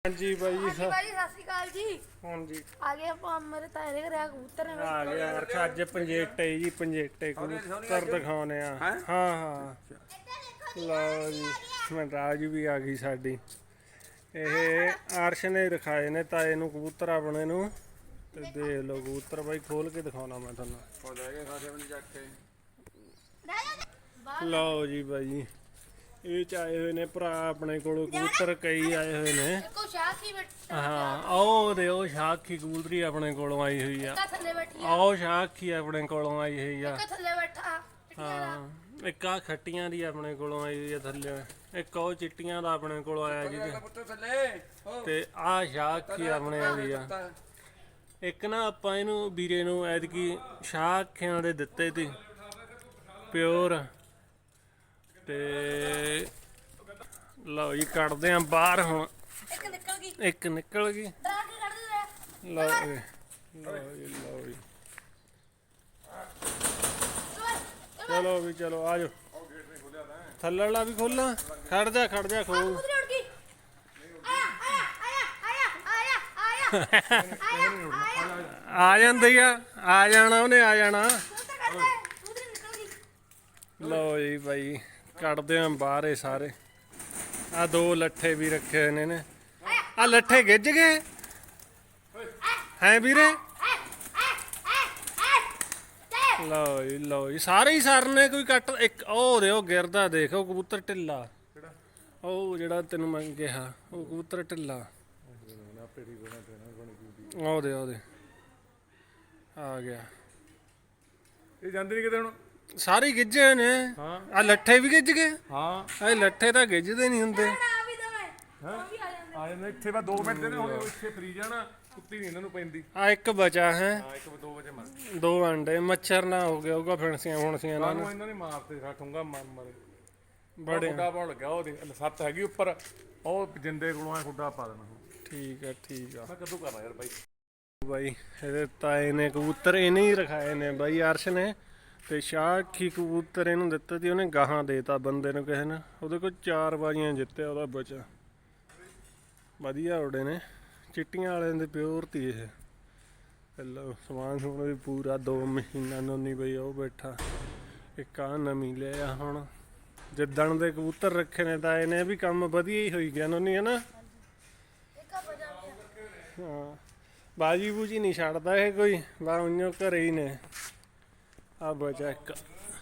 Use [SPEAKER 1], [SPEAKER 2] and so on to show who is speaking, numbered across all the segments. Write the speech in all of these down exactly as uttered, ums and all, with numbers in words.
[SPEAKER 1] ਹਾਂਜੀ ਬਾਈ ਜੀ
[SPEAKER 2] ਹਾਂਜੀ ਬਾਈ ਸਤਿ ਸ਼੍ਰੀ ਅਕਾਲ ਜੀ।
[SPEAKER 1] ਹਾਂਜੀ
[SPEAKER 2] ਆ ਗਏ ਆਪਾਂ ਮੇਰੇ ਤਾਏ ਦੇ ਘਰੇ ਆ ਕਬੂਤਰ ਨੇ
[SPEAKER 1] ਆ ਗਿਆ ਅਰਖ ਅੱਜ ਪੰਜੇਟੇ ਜੀ ਪੰਜੇਟੇ ਕਬੂਤਰ ਦਿਖਾਉਣੇ ਆ। ਹਾਂ ਹਾਂ ਲਓ ਜੀ ਮੈਂ ਰਾਜ ਵੀ ਆ ਗਈ ਸਾਡੀ। ਇਹ ਅਰਸ਼ ਨੇ ਰਖਾਏ ਨੇ ਤਾਏ ਨੂੰ ਕਬੂਤਰ ਆਪਣੇ ਨੂੰ ਤੇ ਦੇਖ ਲਓ ਕਬੂਤਰ ਬਾਈ ਖੋਲ ਕੇ ਦਿਖਾਉਣਾ ਮੈਂ ਤੁਹਾਨੂੰ। ਲਓ ਜੀ ਬਾਈ ਜੀ ਇਹ ਚ ਆਏ ਹੋਏ ਨੇ ਭਰਾ ਆਪਣੇ ਕੋਲ ਕਬੂਤਰ ਕਈ ਆਏ ਹੋਏ ਨੇ। ਹਾਂ ਉਹ ਦੇ ਉਹ ਸ਼ਾਖੀ ਕਬੂਤਰੀ ਆਪਣੇ ਕੋਲੋਂ ਆਈ ਹੋਈ ਆ। ਆਓ ਸ਼ਾਖੀ ਆਪਣੇ ਕੋਲੋਂ ਆਈ ਹੋਈ ਆ। ਹਾਂ ਇੱਕ ਆ ਖੱਟੀਆਂ ਦੀ ਆਪਣੇ ਕੋਲੋਂ ਆਈ ਹੋਈ ਆ ਥੱਲੇ। ਇੱਕ ਉਹ ਚਿੱਟੀਆਂ ਦਾ ਆਪਣੇ ਕੋਲ ਆਇਆ ਜੀ ਤੇ ਆਹ ਸ਼ਾਖੀ ਆਪਣੇ ਦੀ ਆ। ਇੱਕ ਨਾ ਆਪਾਂ ਇਹਨੂੰ ਵੀਰੇ ਨੂੰ ਐਤਕੀ ਸ਼ਾਖਿਆਂ ਦੇ ਦਿੱਤੇ ਤੀ ਪਿਓਰ। ਤੇ ਲਓ ਜੀ ਕੱਢਦੇ ਆ ਬਾਹਰ ਹੁਣ। ਇੱਕ ਨਿਕਲ ਗਈ। ਲਓ ਜੀ ਲਓ ਜੀ ਲਓ ਜੀ ਚਲੋ ਵੀ ਚਲੋ ਆ ਜਾਓ। ਥੱਲੇ ਵਾਲਾ ਵੀ ਖੋਲਾਂ। ਖੜ ਜਾ ਖੜ ਜਾ ਖੋਲ। ਆ ਜਾਂਦੀ ਆ ਆ ਜਾਣਾ ਉਹਨੇ ਆ ਜਾਣਾ। ਲਓ ਜੀ ਬਾਈ ਕੱਢਦੇ ਆ ਬਾਹਰ ਇਹ ਸਾਰੇ। ਆ ਦੋ ਲੱਠੇ ਵੀ ਰੱਖੇ ਹੋਏ ਨੇ। ਆ ਲੱਠੇ ਗਿੱਜ ਗਏ ਹੈ ਵੀਰੇ। ਲਓ ਜੀ ਲਓ ਜੀ ਸਾਰੇ ਹੀ ਸਰ ਨੇ ਕੋਈ ਕੱਟ। ਇੱਕ ਉਹ ਦੇ ਉਹ ਗਿਰਦਾ ਦੇਖ ਉਹ ਕਬੂਤਰ ਢਿੱਲਾ। ਉਹ ਜਿਹੜਾ ਤੈਨੂੰ ਮੈਂ ਕਿਹਾ ਉਹ ਕਬੂਤਰ ਢਿੱਲਾ। ਉਹਦੇ ਉਹਦੇ ਆ ਗਿਆ।
[SPEAKER 3] ਇਹ ਜਾਂਦੇ ਨਹੀਂ ਕਿਤੇ ਹੁਣ।
[SPEAKER 1] ਸਾਰੇ ਗਿੱਜੇ ਨੇ। ਆ ਲੱਠੇ ਵੀ ਗਿੱਜ ਗਏ।
[SPEAKER 3] ਹਾਂ
[SPEAKER 1] ਇਹ ਲੱਠੇ ਤਾਂ ਗਿੱਜਦੇ ਨਹੀਂ ਹੁੰਦੇ।
[SPEAKER 3] ਆ ਜਾਂਦੇ ਇੱਥੇ ਬਾ ਦੋ ਮਿੰਟ ਦੇ ਹੁਣ ਇੱਥੇ ਫਰੀ ਜਾਣਾ। ਕੁੱਤੀ ਨਹੀਂ ਇਹਨਾਂ ਨੂੰ ਪੈਂਦੀ।
[SPEAKER 1] ਆ ਇੱਕ ਬਚਾ ਹੈ।
[SPEAKER 3] ਹਾਂ ਇੱਕ ਦੋ ਵਜੇ ਮਰ
[SPEAKER 1] ਦੋ ਅੰਡੇ ਮੱਛਰ ਨਾ ਹੋ ਗਿਆ ਹੋਊਗਾ ਫਿਣਸੀਆਂ ਫੁਣਸੀਆਂ ਨਾਲ।
[SPEAKER 3] ਸਾਨੂੰ ਇਹਨਾਂ ਨੇ ਮਾਰਤੇ ਠੂੰਗਾ ਮਾਰ ਮਾਰੇ
[SPEAKER 1] ਬੜੇ
[SPEAKER 3] ਖੁੱਡਾ ਪਾਉਣ ਲੱਗਿਆ। ਉਹਦੇ ਸੱਤ ਹੈਗੀ ਉੱਪਰ ਉਹ ਜਿੰਦੇ ਕੋਲੋਂ ਆ ਖੁੱਡਾ ਪਾ ਦੇਣਾ।
[SPEAKER 1] ਠੀਕ ਆ ਠੀਕ ਆ
[SPEAKER 3] ਮੈਂ ਕਦੋਂ ਕਰਨਾ ਯਾਰ ਬਾਈ।
[SPEAKER 1] ਬਾਈ ਇਹਦੇ ਤਾਏ ਨੇ ਕਬੂਤਰ ਇਹਨੇ ਹੀ ਰਖਾਏ ਨੇ ਬਾਈ ਅਰਸ਼ ਨੇ। ਤੇ ਸ਼ਾਖੀ ਕਬੂਤਰ ਇਹਨੂੰ ਦਿੱਤਾ ਸੀ ਉਹਨੇ ਗਾਹਾਂ ਦੇਤਾ ਬੰਦੇ ਨੂੰ ਕਿਸੇ ਨੇ। ਉਹਦੇ ਕੋਲ ਚਾਰ ਬਾਜ਼ੀਆਂ ਜਿੱਤਿਆ ਉਹਦਾ ਬਚਾ ਵਧੀਆ ਉੜੇ ਨੇ। ਚਿੱਟੀਆਂ ਵਾਲਿਆਂ ਦੇ ਪਿਓਰ ਤੀ ਇਹ। ਪਹਿਲਾਂ ਸਮਾਨ ਸਮੂਨ ਵੀ ਪੂਰਾ ਦੋ ਮਹੀਨਾ ਨੋਨੀ ਬਈ ਉਹ ਬੈਠਾ। ਇੱਕ ਆ ਨਵੀਂ ਲਿਆ ਹੁਣ ਜਿੱਦਣ ਦੇ ਕਬੂਤਰ ਰੱਖੇ ਨੇ ਤਾਂ ਇਹਨੇ ਵੀ ਕੰਮ ਵਧੀਆ ਹੀ ਹੋਈ ਗਿਆ ਨੋਨੀ ਹੈ ਨਾ। ਹਾਂ ਬਾਜੀ ਬੂਜੀ ਨਹੀਂ ਛੱਡਦਾ ਇਹ ਕੋਈ ਬਾ ਉਈਓ ਘਰੇ ਹੀ ਨੇ। ਆ ਬਚਾ ਇੱਕ।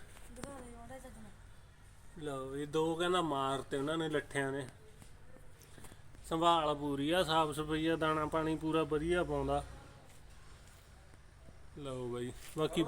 [SPEAKER 1] ਲਓ ਇਹ ਦੋ ਕਹਿੰਦਾ ਮਾਰਤੇ ਉਹਨਾਂ ਨੇ ਲੱਠਿਆਂ ਨੇ। ਸੰਭਾਲ ਪੂਰੀ ਆ ਸਾਫ ਸਫਾਈ ਆ ਦਾਣਾ ਪਾਣੀ ਪੂਰਾ ਵਧੀਆ ਪਾਉਂਦਾ। ਲਓ ਬਾਈ ਬਾਕੀ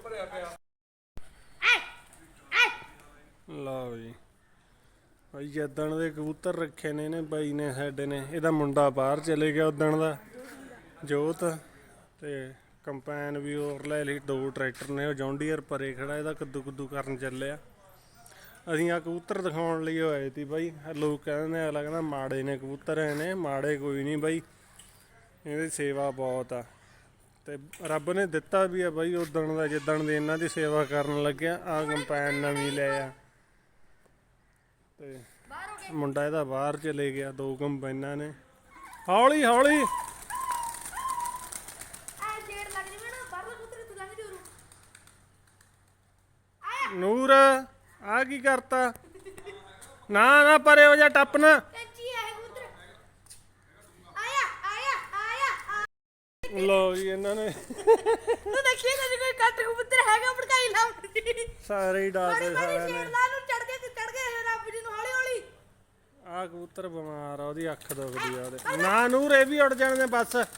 [SPEAKER 1] ਲਓ ਜੀ ਬਾਈ ਜਿੱਦਣ ਦੇ ਕਬੂਤਰ ਰੱਖੇ ਨੇ ਇਹਨੇ ਬਾਈ ਨੇ ਸਾਡੇ ਨੇ। ਇਹਦਾ ਮੁੰਡਾ ਬਾਹਰ ਚਲੇ ਗਿਆ ਉਦਣ ਦਾ ਜੋਤ। ਤੇ ਕੰਪੈਨ ਵੀ ਹੋਰ ਲੈ ਲਈ। ਦੋ ਟਰੈਕਟਰ ਨੇ ਉਹ ਜੌਂਡੀਅਰ ਪਰੇ ਖੜਾ ਇਹਦਾ ਕੱਦੂ ਕੁੱਦੂ ਕਰਨ ਚੱਲਿਆ। ਅਸੀਂ ਆ ਕਬੂਤਰ ਦਿਖਾਉਣ ਲਈ ਹੋਏ ਸੀ ਬਾਈ। ਲੋਕ ਕਹਿੰਦੇ ਅਗਲਾ ਕਹਿੰਦਾ ਮਾੜੇ ਨੇ ਕਬੂਤਰ ਨੇ। ਮਾੜੇ ਕੋਈ ਨਹੀਂ ਬਾਈ ਇਹਦੀ ਸੇਵਾ ਬਹੁਤ ਆ। ਤੇ ਰੱਬ ਨੇ ਦਿੱਤਾ ਵੀ ਆ ਬਾਈ ਉਦਣ ਦਾ ਜਿੱਦਣ ਦੀ ਇਹਨਾਂ ਦੀ ਸੇਵਾ ਕਰਨ ਲੱਗਿਆ। ਆ ਕੰਪੈਨ ਨਵੀਂ ਲੈ ਆ। ਤੇ ਮੁੰਡਾ ਇਹਦਾ ਬਾਹਰ ਚਲੇ ਗਿਆ। ਦੋ ਕੰਪੈਨਾਂ ਨੇ। ਹੌਲੀ ਹੌਲੀ ਨੂਰ ਆ ਕੀ ਕਰਤਾ। ਨਾ ਨਾ ਪਰੇ ਹੋ ਜਾ ਟੱਪ ਨਾ। ਲੋ ਜੀ ਇਹਨਾਂ ਨੇ ਸਾਰੇ ਹੀ ਡਾਲਦੇ ਸਾਰਿਆਂ ਨੇ। ਆ ਕਬੂਤਰ ਬਿਮਾਰ ਆ ਉਹਦੀ ਅੱਖ ਦੁਖਦੀ ਆ ਉਹਦੇ। ਨਾ ਨੂਰ ਇਹ ਵੀ ਉੱਡ ਜਾਣੇ ਬਸ। ਆ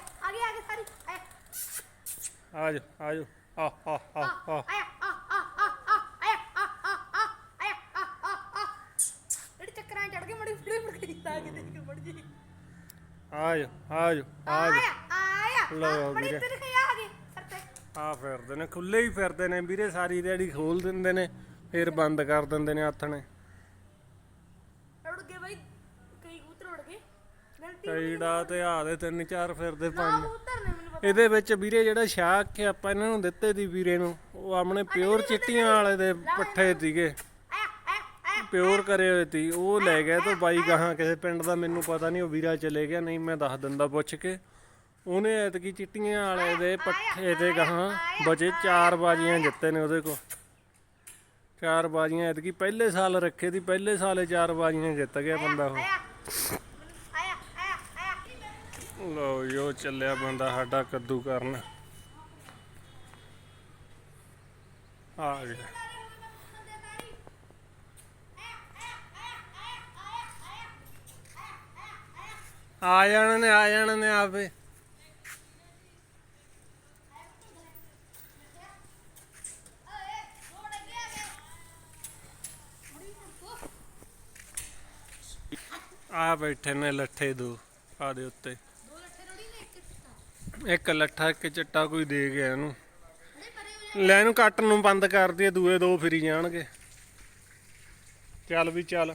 [SPEAKER 1] ਜਾ ਆ ਜਾ ਆ ਆ ਆ ਆ ਆ ਜਾ ਆ ਜਾ ਆ ਜਾ ਲਓ ਵੀਰੇ ਆ ਫਿਰਦੇ ਨੇ ਖੁੱਲੇ ਹੀ ਫਿਰਦੇ ਨੇ ਵੀਰੇ। ਸਾਰੀ ਦਿਹਾੜੀ ਖੋਲ ਦਿੰਦੇ ਨੇ ਫਿਰ ਬੰਦ ਕਰ ਦਿੰਦੇ ਨੇ ਆਥਣੇ। ਕਈੜਾ ਤੇ ਆ ਦੇ ਤਿੰਨ ਚਾਰ ਫਿਰਦੇ ਪੰਜ। ਇਹਦੇ ਵਿੱਚ ਵੀਰੇ ਜਿਹੜਾ ਸ਼ਾਖ ਆਪਾਂ ਇਹਨਾਂ ਨੂੰ ਦਿੱਤੇ ਦੀ ਵੀਰੇ ਨੂੰ ਉਹ ਆਪਣੇ ਪਿਓਰ ਚਿੱਟੀਆਂ ਵਾਲੇ ਦੇ ਪੱਠੇ ਸੀਗੇ। ਪਿਓਰ ਕਰੇ ਹੋਏ ਤੀ ਉਹ ਲੈ ਗਿਆ ਤੇ ਬਾਈ ਗਾਹਾਂ ਕਿਸੇ ਪਿੰਡ ਦਾ ਮੈਨੂੰ ਪਤਾ ਨਹੀਂ ਉਹ ਵੀਰਾ ਚਲੇ ਗਿਆ ਨਹੀਂ ਮੈਂ ਦੱਸ ਦਿੰਦਾ ਪੁੱਛ ਕੇ ਉਹਨੇ ਐਤਕੀ ਚਿੱਟੀਆਂ ਵਾਲੇ ਦੇ ਪੱਠੇ ਤੇ ਗਾਹਾਂ ਬਚੇ ਚਾਰ ਬਾਜੀਆਂ ਜਿੱਤੇ ਨੇ ਉਹਦੇ ਕੋਲ ਚਾਰ ਬਾਜੀਆਂ ਐਤਕੀ ਪਹਿਲੇ ਸਾਲ ਰੱਖੇ ਦੀ ਪਹਿਲੇ ਸਾਲੇ ਚਾਰ ਬਾਜੀਆਂ ਜਿੱਤ ਗਿਆ ਬੰਦਾ ਉਹ ਲਓ ਯੋ ਚੱਲਿਆ ਬੰਦਾ ਸਾਡਾ ਕੱਦੂ ਕਰਨ ਆ ਗਿਆ ਆ ਜਾਣ ਨੇ ਆ ਜਾਣ ਨੇ ਆਪੇ ਆ ਬੈਠੇ ਨੇ ਲੱਠੇ ਦੋ ਆ ਦੇ ਉੱਤੇ ਇੱਕ ਲੱਠਾ ਇੱਕ ਚਿੱਟਾ ਕੋਈ ਦੇ ਗਿਆ ਇਹਨੂੰ ਲੈ ਇਹਨੂੰ ਕੱਟ ਨੂੰ ਬੰਦ ਕਰ ਦਈਏ ਦੂਏ ਦੋ ਫਿਰੀ ਜਾਣਗੇ ਚੱਲ ਵੀ ਚੱਲ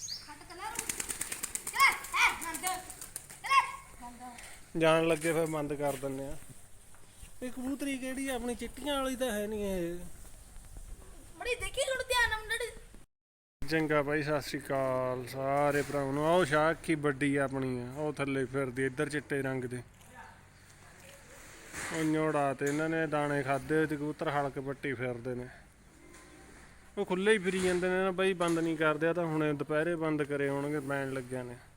[SPEAKER 1] ਜਾਣ ਲੱਗੇ ਫਿਰ ਬੰਦ ਕਰ ਦਿੰਨੇ ਆ ਇਹ ਕਬੂਤਰੀ ਕਿਹੜੀ ਆ ਆਪਣੀ ਚਿੱਟੀਆਂ ਵਾਲੀ ਤਾਂ ਹੈ ਨਹੀਂ ਇਹ
[SPEAKER 2] ਮੜੀ ਦੇਖੀ ਹੁਣ ਧਿਆਨ ਨਾਲ ਮੜੀ
[SPEAKER 1] ਚੰਗਾ ਬਾਈ ਸਤਿ ਸ਼੍ਰੀ ਅਕਾਲ ਸਾਰੇ ਭਰਾਵਾਂ ਨੂੰ ਆਓ ਸ਼ਾਖੀ ਵੱਡੀ ਆਪਣੀ ਆ ਉਹ ਥੱਲੇ ਫਿਰਦੀ ਇੱਧਰ ਚਿੱਟੇ ਰੰਗ ਦੇ ਉਹ ਨੋੜਾ ਤੇ ਇਹਨਾਂ ਨੇ ਦਾਣੇ ਖਾਦੇ ਤੇ ਕਬੂਤਰ ਹਲਕ ਪੱਟੀ ਫਿਰਦੇ ਨੇ ਉਹ ਖੁੱਲੇ ਹੀ ਫਿਰੀ ਜਾਂਦੇ ਨੇ ਨਾ ਬਾਈ ਬੰਦ ਨਹੀਂ ਕਰਦੇ ਆ ਤਾਂ ਹੁਣ ਦੁਪਹਿਰੇ ਬੰਦ ਕਰੇ ਹੋਣਗੇ ਪੈਣ ਲੱਗਿਆ ਨੇ